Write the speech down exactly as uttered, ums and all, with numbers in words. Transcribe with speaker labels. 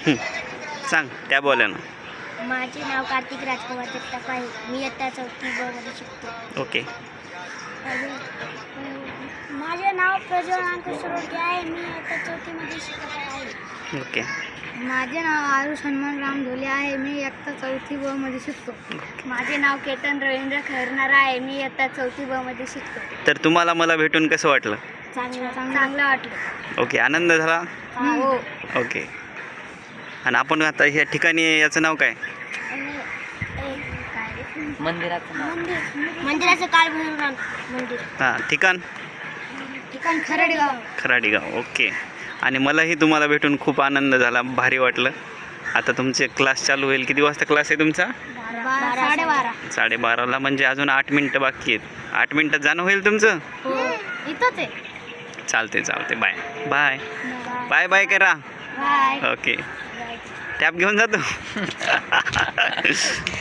Speaker 1: हं. सांग त्या बोला ना.
Speaker 2: माझे नाव कार्तिक राजकुमार जगताप आहे. मी इयत्ता चौथी ब मध्ये शिकतो.
Speaker 1: ओके.
Speaker 2: माझे नाव प्रज्वल अंकुश रोडगे आहे. मी इयत्ता चौथीमध्ये शिकत आहे.
Speaker 1: ओके.
Speaker 2: माझे नाव आरुष हनुमान राम धोले आहे. मी इयत्ता चौथी ब मध्ये शिकतो. माझे नाव केतन रवींद्र खैरनार आहे. मी इयत्ता चौथी ब मध्ये शिकतो.
Speaker 1: तर तुम्हाला मला भेटून कसं वाटलं?
Speaker 2: चांगलं चांगलं वाटलं.
Speaker 1: ओके. आनंद झाला?
Speaker 2: हो.
Speaker 1: ओके. आणि आपण आता ह्या ठिकाणी याचं नाव काय?
Speaker 3: मंदिराचं नाव
Speaker 2: मंदिर मंदिराचं काळ भैरवनाथ मंदिर.
Speaker 1: हां. ठिकाण?
Speaker 2: ठिकाण खरडगाव.
Speaker 1: खराडी गाव. ओके. आणि मलाही तुम्हाला भेटून खूप आनंद झाला, भारी वाटलं. आता तुमचे क्लास चालू होईल. किती वाजता क्लास आहे तुमचा?
Speaker 2: साडेबारा.
Speaker 1: साडेबाराला म्हणजे अजून आठ मिनटं बाकी आहेत. आठ मिनटात जाणं होईल तुमचं?
Speaker 2: हो इथंच आहे.
Speaker 1: चालते चालते. बाय बाय बाय बाय करा.
Speaker 2: बाय.
Speaker 1: ओके. टॅब घेऊन जातो.